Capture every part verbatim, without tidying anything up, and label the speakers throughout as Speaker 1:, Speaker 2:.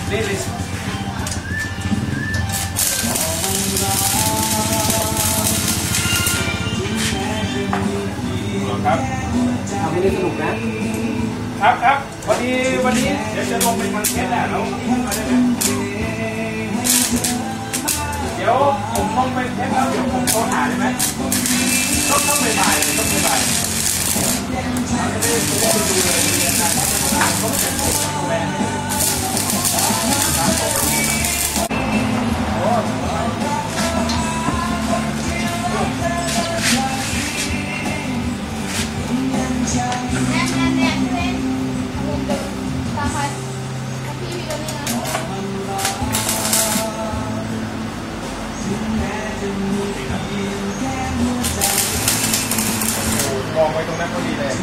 Speaker 1: นี่เลยครับ
Speaker 2: ทำให้ได้สนุกนะครับ
Speaker 1: ครับวันนี้วันนี้เดี๋ยวจะลงไปทางเทสแหละแล้วเดี๋ยวผมลงไปเทสแล้วเดี๋ยวผมโทรหาได้ไหมต้องต้องไปบ่ายต้องไปบ่ายเราจะได้ดูเลยเรียนนะต้องเสร็จแม่โอ้มองไว้ตรงนั้นก็ดีเลย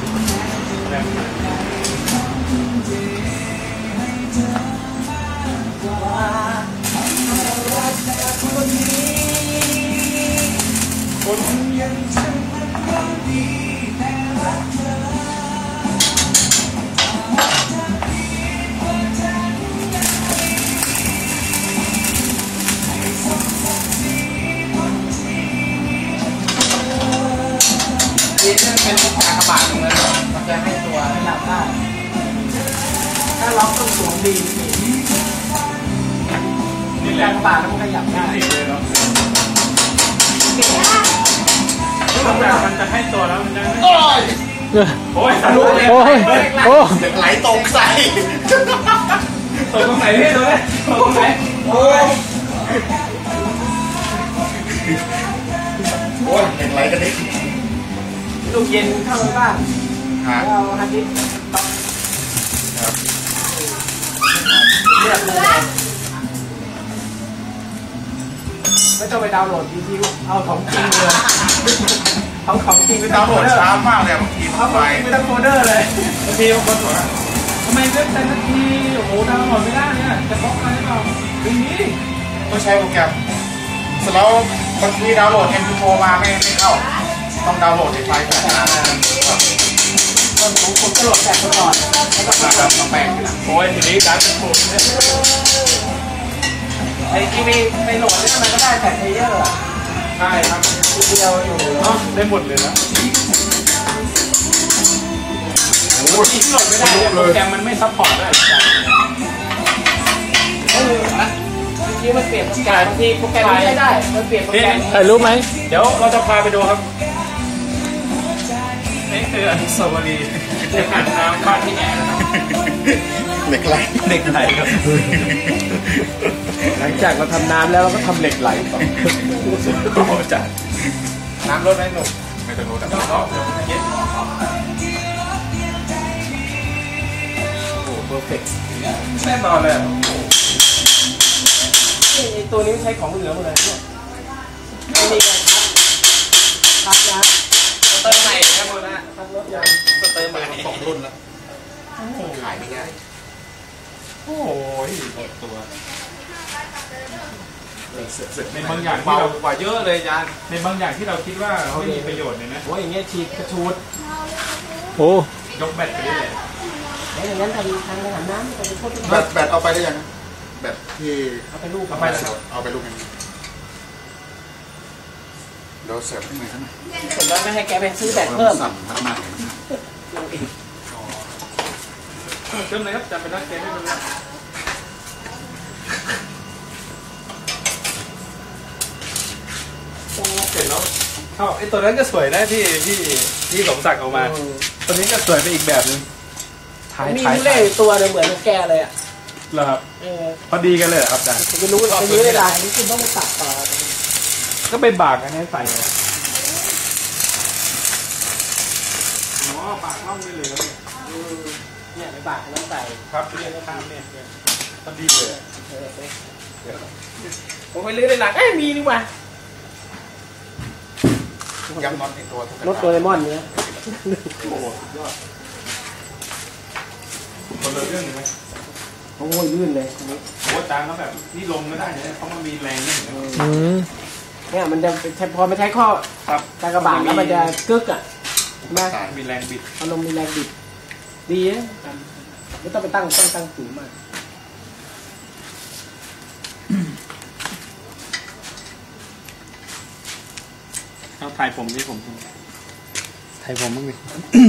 Speaker 1: คนยังฉันมันดีแต่รักเธอ
Speaker 2: นี่จะเป็นกากบาทตรงนั้นมันจะให้ตัวหลับได้ถ้าล็อกต้องสวมดีนี่กากบาทมันขยับได้
Speaker 1: เลยเนาะต้องแบบมันจะให้ตัวแล้วมันจะโอ้ยโอ้ยทะลุเลยโอ้ยโอ้ยไหลตกใส่ตกตรงไหนพี่ตัวนี้ตกตรงไหนโอ้ยโอ้ยเห็นไหลกันดิ
Speaker 2: ลูกเย็นเข้าไปบ้างเราฮันดิเรียกเลยไม่ต้องไปดาวน์โหลดยูทูบเอาของจริงเลยเอาของจริงไปดาวน์โหลด
Speaker 1: ช้ามากเลยบางที
Speaker 2: เอาของจริงไปตั้งโฟลเดอร์เลย
Speaker 1: บางทีบางคนบอกว่าทำไมเว็บไซต์นาทีโอ้โหดาวน์โหลดไม่ได้เนี่ยจะบล็อกอะไรหรือเปล่าอย่างนี้ต้องใช้โปรแกรมเสร็จแล้วบางทีดาวน์โหลด เอ็ม พี โฟร์ มาไม่ไม่เข้าต้องดาวน์โหลดในไฟล์แบบนั้น
Speaker 2: คนของคนก็โหลดแบบก่อนแล้วก็มา
Speaker 1: แบบแปลกนะโอ้ยทีนี้การเป็นโหลด
Speaker 2: ไอ้ที่ไม่ไม่โหลดนี่มันก็ได้แต่เพลเยอร์
Speaker 1: ใช่ครับ
Speaker 2: ทีเดียวอยู่
Speaker 1: เนาะได้หมดเลยนะโอ้โหที่โหลดไม่ได้โปรแกรมมันไม่ซัพพอร์ตได้
Speaker 2: เออทีมันเปลี่ยนโปรแกรมบางทีโปรแกรมไม่ได้มันเปลี่ยนโปรแกรม
Speaker 1: ถ่ายรูปไหมเดี๋ยวเราจะพาไปดูครับนี่คืออนุสาวรีย์ในอ่างน้ำบ้านที่แอร์นะครับเหล็กไหลเหล็กไหลครับ
Speaker 2: หลังจากเราทำน้ำแล้วเราก็ทำเหล็กไหลต่อ
Speaker 1: โอ้จัดน้ำลดไหมหนุ่มไม่ต้องลดแต่ต้องเย็นโอ้เพอร์เฟกต์แน่นอนเลย
Speaker 2: นี่ตัวนี้ใช้ของเหลือหมดเลยเนี่ยไม่มีการพับพับนะ
Speaker 1: เติมใหม่ครับคุณนะ
Speaker 2: พับรถยาง
Speaker 1: เติมใหม่สองรุ่นแล้วขายไม่ง่ายโอ้ยหมดตัวในบางอย่างที่เรากว่าเยอะเลยอาจารย์ในบางอย่างที่เราคิดว่าไม่มีประโยชน์เลยนะ
Speaker 2: โอ้ยอย่างเงี้ยฉีดกระชูด
Speaker 1: โอ้ยกแบตไปได้เลย
Speaker 2: แล้วอย่างนั้นทำทางอาหารน้ำไปพูด
Speaker 3: แบตแบตเอาไปได้ยังแบตที่
Speaker 2: เอาไปลูก
Speaker 1: เอาไป
Speaker 3: เอาไปลูกนึงเดี๋ยวเสิร์ฟให้หน่อยครับ
Speaker 2: เสร็จแล้วไม่ให้แกไปซื้อแบตเพิ่ม
Speaker 3: สั่งพัฒนา
Speaker 1: เติมเลยครับจำเป็นนักเกมไม่เป็นไรเสร็จแล้วเข้าไอ้ตัวนั้นก็สวยนะที่ที่ที่สมศักดิ์เอามาตัวนี้ก็สวยไปอีกแบบนึง
Speaker 2: มีเล่ตัวเหมือนแกเลยอ่ะ
Speaker 1: เหรอครับพอดีกันเลยครับอาจารย์
Speaker 2: จะรู้จะยื้อเวลาอันนี้คุณต้องไปตัดต่อ
Speaker 1: ก็ไปบากอันนี้ใส่อ๋อบากล่องนี่เลยครับ
Speaker 2: เนี่ยไปบากแล้วใส่
Speaker 1: ครับเรียนข้ามเนี่ยพอดีเลย
Speaker 2: ผมไปลื้อในหลังเอ้ยมีนี่ว่ะ
Speaker 3: ย้ำน็อตในตัว
Speaker 2: รถโดเรมอนเนี่ย
Speaker 1: โอ้ยอดคนละเรื่องไหม
Speaker 2: โอ้ยลื่นเลย
Speaker 1: โอ้จางแล้วแบบนี่ลงไม่ได้เนี่ยเพราะมันมีแรงนี่
Speaker 2: เนี่ยมันจะใช้พอไม่ใช้ข้อตากระบาดแล้วมันจะกึกอ่ะ
Speaker 1: มามีแรงบิด
Speaker 2: อารมณ์มีแรงบิดดีนะไม่ต้องไปตั้งตั้งตั้งสูงมาก
Speaker 1: ถ่ายผมนี่ผม
Speaker 2: ถ่ายผมบ้างดิ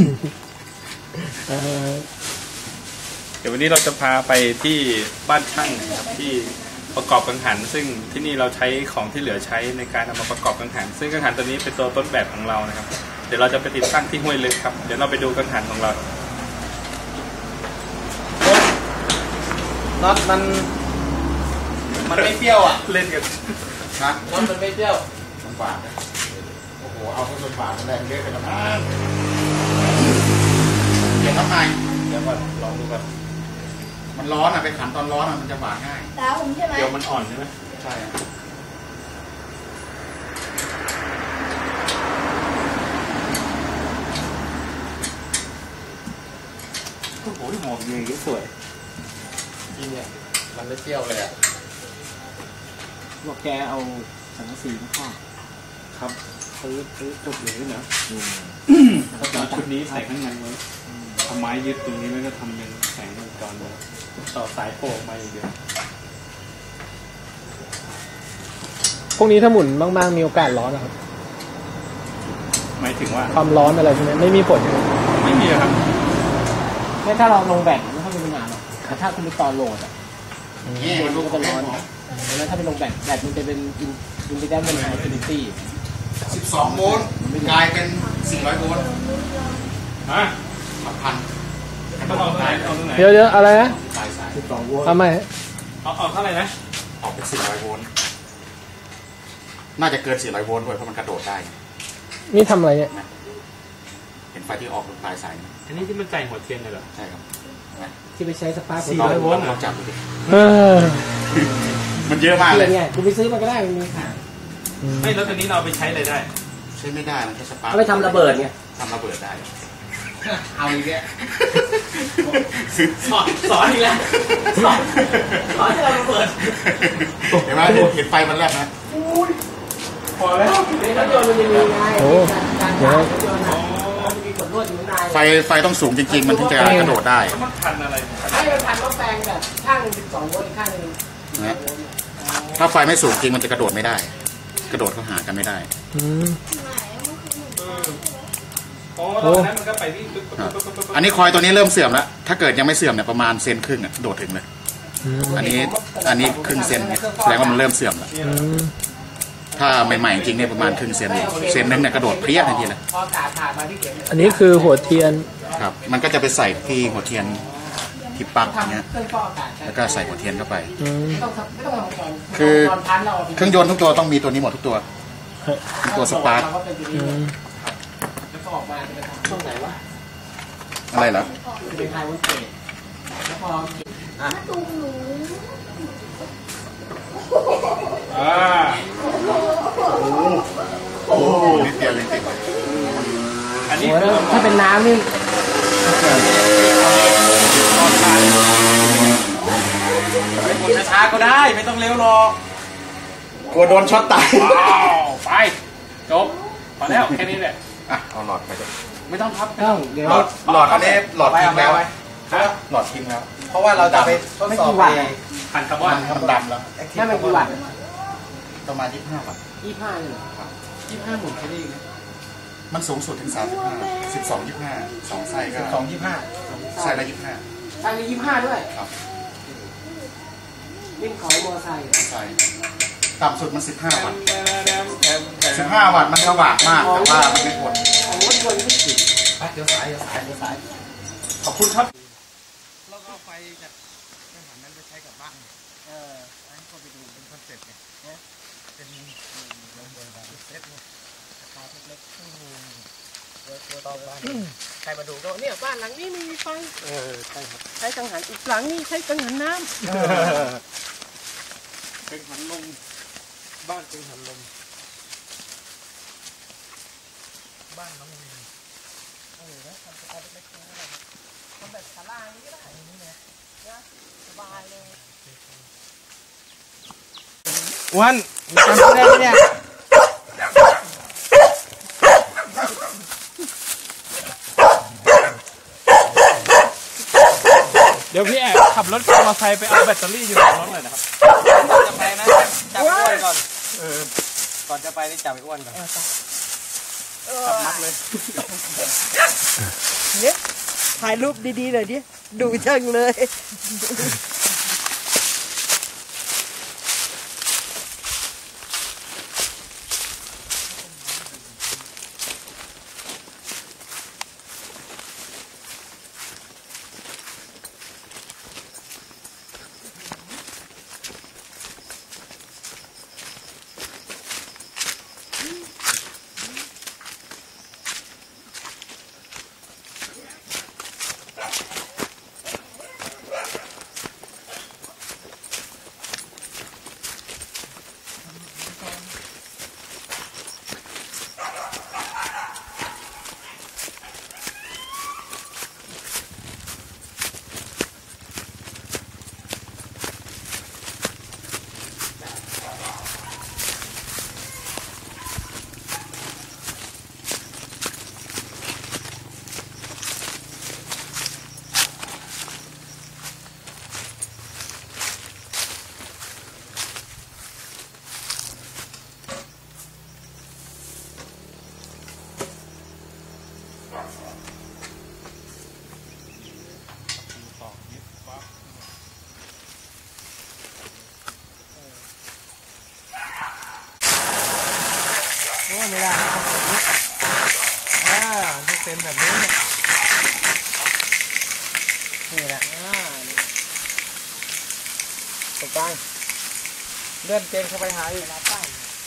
Speaker 1: เดี๋ยววันนี้เราจะพาไปที่บ้านช่างนะครับที่ประกอบกังหันซึ่งที่นี่เราใช้ของที่เหลือใช้ในการเอามาประกอบกังหันซึ่งกังหันตัวนี้เป็นตัวต้นแบบของเรานะครับเดี๋ยวเราจะไปติดตั้งที่ห้วยลึกครับเดี๋ยวเราไปดูกังหันของเรา
Speaker 2: น็อตมันมันไม่เปรี้ยวอ่ะ
Speaker 1: เล่นกัน
Speaker 3: นะ
Speaker 2: น็อตมันไม่เปรี้ยว
Speaker 3: มันบาดนะโอ้โหเอาเข้าจนบาดมันแรงเยอะไปแล้วมั้งเดี๋ยวทำไม
Speaker 1: เดี๋ยวก่อนลองดูก่อน
Speaker 3: มันร้อนอ่ะไปขันตอนร้อนอ่ะมันจะบาดง่าย
Speaker 4: ตาผมใช่ไหม
Speaker 1: เดี๋ยวมันอ่อนใช่ไหม
Speaker 3: ใช่อะ
Speaker 1: โอ้โหหมวกยังก็สวย
Speaker 2: จริงเนี่ยมันไม่เปรี้ยวเลยอ่ะ
Speaker 5: บอกแกเอาสังกะสีมาครอบ
Speaker 1: ครับซื้อซื้อจบเลยนะ
Speaker 5: แล้ว
Speaker 1: เอา
Speaker 5: ก็
Speaker 1: ชุดนี้ใส่ข้างในไว้ทำไม้ยึดตรงนี้แล้วก็ทำเป็นแสงวงจรเลยต่อสายโผล่มาอย่างเดียว
Speaker 5: พวกนี้ถ้าหมุนมากๆมีโอกาสร้อนนะครับ
Speaker 1: หมายถึงว่า
Speaker 5: ความร้อนอะไรพวกนี้ไม่มีผล
Speaker 1: ไม่มีครับ
Speaker 5: ไม่ถ้าเราลงแบตไม่ค่อยมีปัญหาหรอกแต่ถ้าคุณไปต่อโหลดอ่ะ
Speaker 3: นี่มัน
Speaker 5: มัน
Speaker 3: ลูก
Speaker 5: ก็
Speaker 3: ก
Speaker 5: จะ
Speaker 3: ระ
Speaker 5: ร้
Speaker 3: ร้
Speaker 5: อ
Speaker 3: อน น
Speaker 5: แล้วถ้าไปลงแบตแบตมันจะเป็นอินอินดิแดนเป็นไฮฟินิตี้
Speaker 3: สิบสองโวลต์กลายเป็นสี่ร้อยโวลต์
Speaker 1: ฮะ
Speaker 3: หลักพัน
Speaker 1: ต้องเอาตรงไหนเอาตรงไหน
Speaker 5: เดี๋ยวเดี๋ยวอะไรนะ
Speaker 3: ปลายสาย
Speaker 5: สิบสองโวลต์ทำไม
Speaker 1: เอาเอาเท่าไหร่นะ
Speaker 3: ออกเป็นสี่ร้อยโวลต์น่าจะเกินสี่ร้อยโวลต์ด้วยเพราะมันกระโดดได้
Speaker 5: นี่ทำอะไรเนี่ย
Speaker 3: เห็นไฟที่ออกบนปลายสายไหม
Speaker 1: อันนี้ที่มันใจหัวเทียนเลยเหรอ
Speaker 3: ใช่ครับเห็นไหม
Speaker 5: ที่ไปใช้สปาร์ค
Speaker 1: สี่ร้อยโวลต์
Speaker 3: ลองจับดูดิ
Speaker 5: เออ
Speaker 3: มันเยอะมาก
Speaker 5: เที
Speaker 3: เลย ย
Speaker 5: นเนี่ยคุณไปซื้อมาก็ได้มันมีขาย
Speaker 1: ไม่แล้วตัวนี้เราเอาไปใช้อะไรได้
Speaker 3: ใช้ไม่ได้มันแค่สปาร์ค
Speaker 5: เอาไปทำระเบิดไง
Speaker 3: ทำระเบิดได้
Speaker 2: เอาอีกแล้ว
Speaker 5: สอนสอนอีกแล้วสอนสอนให้เราระเบิด
Speaker 3: เห็นไหมเห็นไฟมันแลบนะ
Speaker 1: พอแล้ว
Speaker 5: ในรถยนต์มันจะมีไงการขายรถยนต์มันมีขนลวดอยู่ข้างใน
Speaker 3: ไฟไฟต้องสูงจริงๆ มันถึงจะกระโดดได้
Speaker 1: แล้วมันพันอะไร
Speaker 5: ให้มันพันว่าแปลงแบบข้างหนึ่งสิบสองโวลต์อีกข้างหนึ่ง
Speaker 3: นะถ้าไฟไม่สูงจริงมันจะกระโดดไม่ได้ กระโดดเข้าหากันไม่ได้
Speaker 1: โอ้ตอนนั้นมันก็ไปวิ่งปึ๊บปึ๊บ
Speaker 3: ครับ
Speaker 1: ปึ๊บปึ๊บปึ๊บ
Speaker 3: อันนี้คอยตัวนี้เริ่มเสื่อมแล้ว ถ้าเกิดยังไม่เสื่อมเนี่ยประมาณเซนครึ่งอ่ะโดดถึงเลย อันนี้อันนี้ครึ่งเซนเนี่ยแสดงว่ามันเริ่มเสื่อมแล้ว ถ้าใหม่ๆจริงเนี่ยประมาณครึ่งเซนเองเซนนึงเนี่ยกระโดดเพี้ยทันทีเลย
Speaker 5: พออากาศผ่านมาที่เข็มอันนี้คือหัวเทียน
Speaker 3: ครับ มันก็จะไปใส่ที่หัวเทียนที่ปลั๊กอย่างเงี้ย
Speaker 5: ทำเครื่องฟอกอากาศ
Speaker 3: แล้วก็ใส่หัวเทียนเข้าไป
Speaker 5: ไม่ต้องไม่ต้องทำก่อน
Speaker 3: คือ
Speaker 5: ตอนพันเรา
Speaker 3: เครื่องยนต์ทุกตัวต้องมีตัวนี้หมดทุกตัวเป็นตัวสปาร์ค
Speaker 5: เราก็เป็นตัวนี้เลยแล้วก็ออกมาจะไปทำช่วงไหนวะ
Speaker 3: อะไรเหรอ
Speaker 5: จะเป็นไฮวอลเตจแล้วพอ
Speaker 4: ตูมหนู
Speaker 1: อ่า
Speaker 3: โอ้โหนิดเดียวจริง
Speaker 1: อันนี้
Speaker 5: โอ้ย
Speaker 1: คือ
Speaker 5: ถ้าเป็นน้ำนี่
Speaker 1: ไปกดช้าๆก็ได้ไม่ต้องเร็วหรอก
Speaker 3: ๆกลัวโดนช็อตตาย
Speaker 1: ว้าวไปจบพอแล้วแค่นี้แหละ
Speaker 3: อ่ะเอาหลอดไปด้วย
Speaker 1: ไม่ต้องพับ
Speaker 5: ต้องเดี๋ยว
Speaker 3: หลอดหลอดอันนี้หลอดทิ้งแล้ว
Speaker 1: ฮะ
Speaker 3: หลอดทิ้งแล้ว
Speaker 2: เพราะว่าเราจะไปทด
Speaker 5: ไม่
Speaker 2: สอบ
Speaker 5: กี่วัตต์
Speaker 2: ไอ้
Speaker 1: ผ่านคำว่า
Speaker 3: มันดำแล้ว
Speaker 5: แค่ไม่กี่วัตต์
Speaker 3: ประมาณยี่สิบห้าวัตต์
Speaker 5: ยี่ห้าเลยเหรอ
Speaker 2: ยี่สิบห้าหมุนแค่นี้เอง
Speaker 3: มันสูงสุดถึงสามสิบห้าสิบสองยี่สิบห้าสองไส้ก็
Speaker 2: สองยี่สิบห้า
Speaker 3: ไส้ละยี่สิบห้า
Speaker 5: ทางนี้ยี่ห้าด้วย
Speaker 3: ครับ
Speaker 5: วิ่งขอยมอไซค์
Speaker 3: ไส้ต่ำสุดมันสิบห้าวัตต์สิบห้าวัตต์มันสว่างมากแต่ว่ามันไม่ทน
Speaker 5: ของรถยนต์ไม่ถึง
Speaker 2: ไปเดี๋ยวสายเดี๋ยวสายเดี๋ยวสาย
Speaker 1: ขอบคุณครับ
Speaker 2: แล้วก็ไฟจากเครื่องหันนั้นไปใช้กับบ้าน
Speaker 5: เออ
Speaker 2: อันนี้ก็ไปดูเป็นคอนเซ็ปต์ไงเนี่ยเป็นระเบิดแบบเซ็ตเนี่ยราคาเล็กๆตัวต่อไปใครมาดูก็เนี่ย
Speaker 5: บ้านหลังนี้ไม่มีไฟ
Speaker 2: เออใช่ครับ
Speaker 5: ใช้กังหันอีกหลังนี้ใช้กังหันน้
Speaker 1: เป็นหันลมบ้านเป็นหันลม
Speaker 2: บ้านน้องมี
Speaker 5: ำเออนะทำสไตล์เล็กๆนะทำแบบศาลาอย่างนี้ก็ได้อย่างนี้นะนะสบายเลย
Speaker 2: วันจำได้ไหมเนี่ย
Speaker 1: เดี๋ยวพี่แอบขับรถมอเตอร์ไซค์ไปเอาแบตเตอรี่อยู่ในรถหน่อยนะครับ
Speaker 2: ก่อนจะไปนะจับไอ้อ้วนก่อนก่อนจะไปนี่จับไอ้อ้วนก่อน
Speaker 1: มัดเลย
Speaker 5: เนี่ยถ่ายรูปดีๆหน่อยดิดูจังเลย โอ้ไม่ได้อ่าต้องเป็นแบบนี้นี่แหละอ่าตรงกลางเลื่อนเกงเข้าไปหาอีกนะป้าย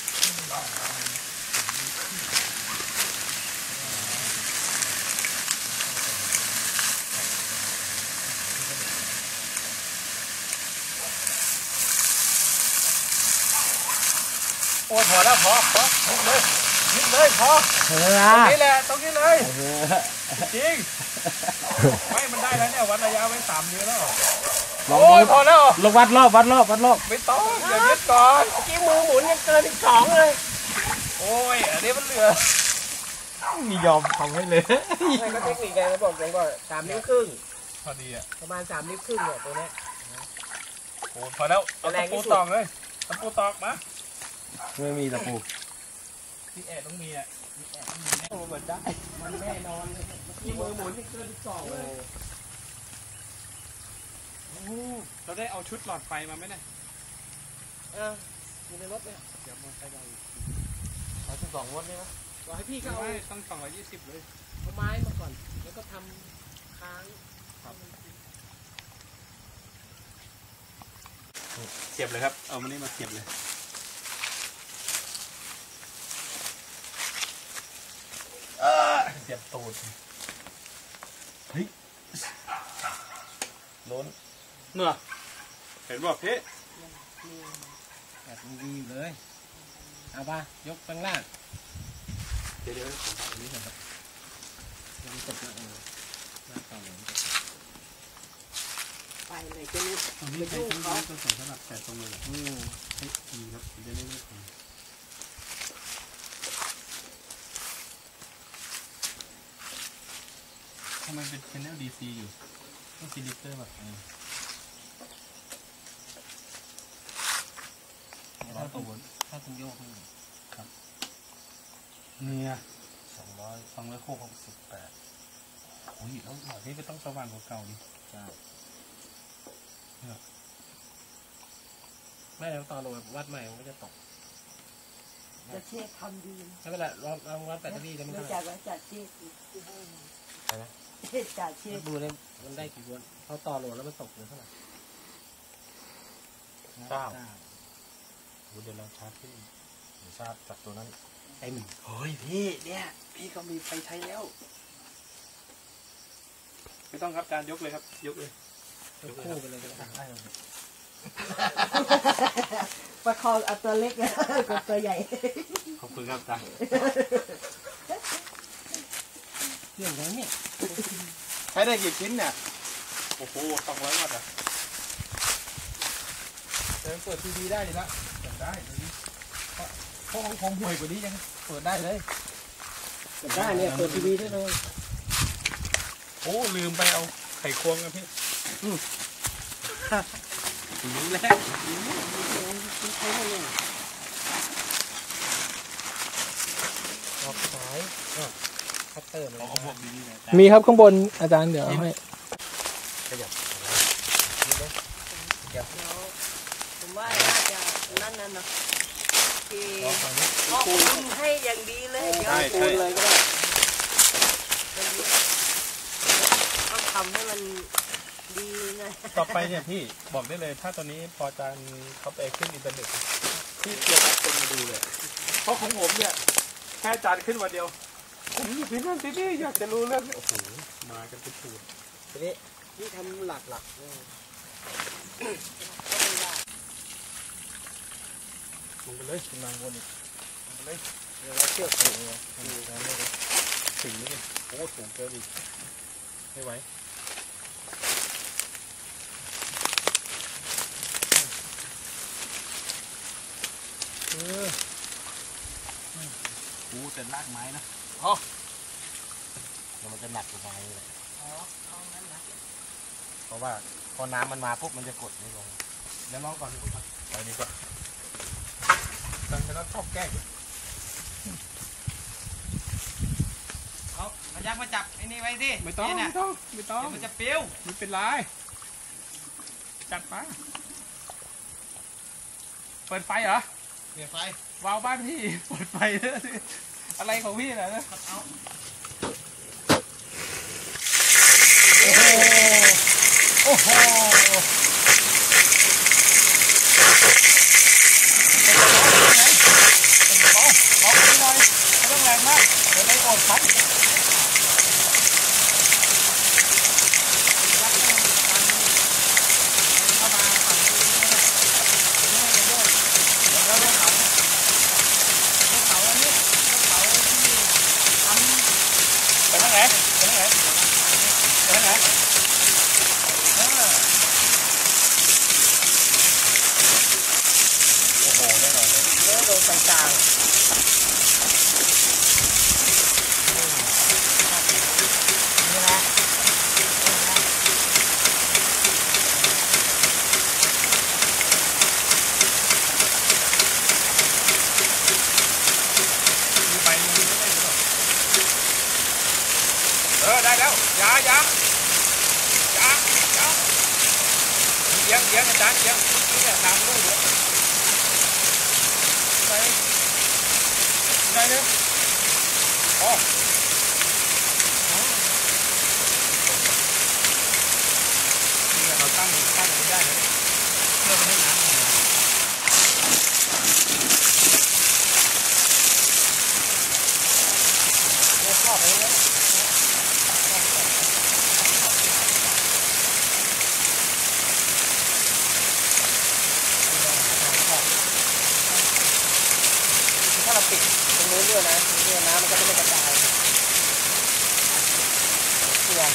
Speaker 5: โอ้ยพอแล้วพอพอนิดเลยนิดเลยพอตรงนี้แหละตรงนี้เลยจริงไม่มันได้แล้วเนี่ยวัดระยะไว้สามนิ้วแล้วโอ้ยพอแล้วลงวัดรอบวัดรอบวัดรอบไม่ต้องอย่ายึดก่อนเมื่อกี้มือหมุนยังเกินอีกสองเลยโอ้ยอันนี้มันเหลือมียอมทำให้เลยไม่ก็เทคนิคไงเขาบอกผมว่าสามนิ้วครึ่งพอดีอ่ะประมาณสามนิ้วครึ่งเนี่ยตัวนี้โอ้พอแล้วเอาตะปูตอกเลยตะปูตอกมาไม่มีตะปูพี่แอดต้องมีอ่ะพี่แอดต้องมีโอ้เหมือนได้มันแน่นอนเลยที่มือหมุนที่เกินสองเลยเราได้เอาชุดหลอดไฟมาไหมเนี่ยเอออยู่ในรถเนี่ยเดี๋ยวมอเตอร์ไซค์เราเอาสิบสองวัตต์เนี่ยนะรอให้พี่ก็เอาต้องสองร้อยยี่สิบเลยเอาไม้มาก่อนแล้วก็ทำค้างเสียบเลยครับเอามันนี่มาเสียบเลยเสียบตูดเฮ้ยล้นเมื่อเห็นบอกพี่แบบดีอยู่เลยเอาป่ะยกข้างล่างเดี๋ยวเดี๋ยวผมเอาอันนี้ก่อนครับยังตกนะเออหน้าตาเหมือนไปเลยจะรู้ตรงนี้เป็นที่เขาตัวสำหรับแต่ตรงเลยอืมเฮ้ยดีครับจะได้ไม่ถึงทำไมเป็น channel ดี ซี อยู่ต้องซีลิเตอร์แบบนี้ถ้าตัวถ้าตัวโยกนี่ครับเนี่ยสองร้อยสองร้อยโคกหกสิบแปดโอ้ยแล้วหน่อยนี้ก็ต้องสว่างกว่าเก่าดิใช่ไม่แล้วตอนลงวัดใหม่มันก็จะตกจะเช็คทำดีไม่เป็นไรลองลองวัดแบตเตอรี่ได้ไหมครับจากว่าจากเช็คอะไรนะจากเช็คดูได้มันได้กี่วัตต์พอต่อโหลดแล้วมันตกเหลือเท่าไหร่เก้าเดี๋ยวเราชาร์จขึ้นชาร์จจากตัวนั้นเต็มเฮ้ยพี่เนี่ยพี่ก็มีไฟใช้แล้วไม่ต้องครับการยกเลยครับยกเลยยกคู่ไปเลยก็ได้เลยประคองเอาตัวเล็กกับตัวใหญ่ขอบคุณครับตาเรื่องอะไรเนี่ยใช้ได้กี่ชิ้นเนี่ยโอ้โหสองร้อยวัตต์อ่ะจะเปิดทีวีได้เลยละเปิดได้เลยเพราะของผมห่วยกว่านี้ยังเปิดได้เลยเปิดได้เนี่ยเปิดทีวีได้เลยโอ้ลืมไปเอาไข่ควงกันพี่รู้แล้วใช้เลยออกสาย
Speaker 2: เออเขาพวกนี้
Speaker 5: มีครับข้างบนอาจารย์เดี๋ยวให้
Speaker 2: ขยับ
Speaker 4: ผมว่าน่าจะนั่นนั่นนะที่ก็คุณให้อย่างดีเลยเดี๋ยวคูณเลยก็ได้ต้องทำให้มันดีนะ
Speaker 5: ต่อไปเนี่ยพี่บอกได้เลยถ้าตอนนี้พออาจารย์เขาไปขึ้นอินเทอร์เน็ตพี่เตรียมคนมาดูเลยเพราะของผมเนี่ยแค่อาจารย์ขึ้นวันเดียวผมอยู่ที่นั่นที่นี่อยากจะรู้เรื่องโอ้โหมากันเป็นสูตร
Speaker 2: ทีนี้ที่ทำหลักหลัก
Speaker 5: ลงไปเลยขึ้นมาบนอีกลงไปเลย
Speaker 2: เดี๋ยวเราเชือกถึงเลย
Speaker 5: ถึงนี่โอ้สูงเกินอีกไม่ไหวเออกูแต่ลากไม้นะอ๋อ
Speaker 2: แล้วมันจะหนักกว่าไม้เลยเพราะว่าพอน้ำมันมาปุ๊บมันจะกดไม่ลง
Speaker 5: เดี๋ยวลองก่อนดีกว่าไปนี่ก่อนตั้งแต่แล้วชอบแก้
Speaker 2: เอาพยักมาจับไอ้นี่ไว้สิ
Speaker 5: ไม่ต้องไม่ต้องไม่ต้อง
Speaker 2: มันจะปิ้ว
Speaker 5: ไม่เป็นไรจัดไปเปิดไฟเหรอ
Speaker 2: เปิดไฟ
Speaker 5: วาวบ้านพี่เปิดไฟเลยอะไรของพี่น่ะนะโอ้โหเบาเบาหน่อยไม่ต้องแรงมากเดี๋ยวไม่อดพันเออได้แล้วยายายายาเยี่ยงเยี่ยงอาจารย์เยี่ยงนี่เนี่ยน้ำด้วยเยอะไปไปเลยโอ้นี่เราตั้งตั้งไม่ได้เลยเพื่อไม่ให้น้ำเนี่ยชอบไปเลยถ้าเราปิดตรงนู้นด้วยนะเรื่องน้ำมันก็จะไม่กระจายเสื่อม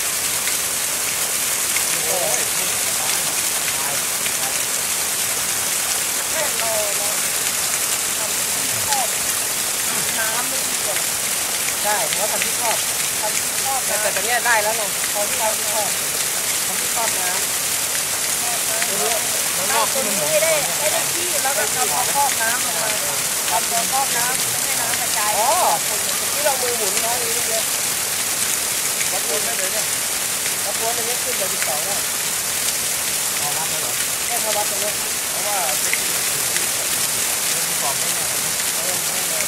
Speaker 5: โอ้ยแน่นอนนะทำที่ครอบน้ำไม่ดีกว่าใช่เพราะทำที่ครอบทำที่ครอบแต่แต่ตอนนี้ได้แล้วไงพอที่เราที่ครอบทำที่ครอบน้ำเราตรงนี้ได้ได้ได้ที่แล้วก็ทำครอบน้ำลงมาทำตัวครอบน้ำไม่ให้น้ำกระจายอ๋อที่เรามือหมุนน้อยนิดเดียววัดตัวได้เลยเนี่ยวัดตัวมันเล็กขึ้นเลยสิบสองแล้วเอาวัดได้หรอแค่พอวัดตรงนี้เพราะว่าเล็กขึ้นสิบสองไม่แน่เออไม่แน่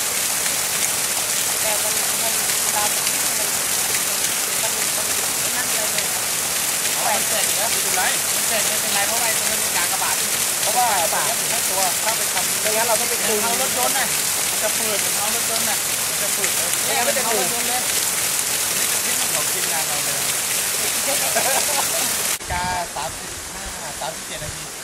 Speaker 5: แต่มันมันตามมันมันมันนั่นเลยเนี่ยมันเสร็จแล้วไม่เป็นไรมันเสร็จไม่เป็นไรเพราะว่ามันเป็นการกระบาดเพราะว่าบาดทั้งตัวถ้าไปทำไม่งั้นเราต้องไปดึงเอารถยนต์น่ะมันจะฝืดเหมือนเอารถยนต์น่ะมันจะฝืดไม่งั้นมันจะฝืดเลยนี่มันของทีมงานเราเลยกาสามสิบห้าสามสิบเจ็ดนาที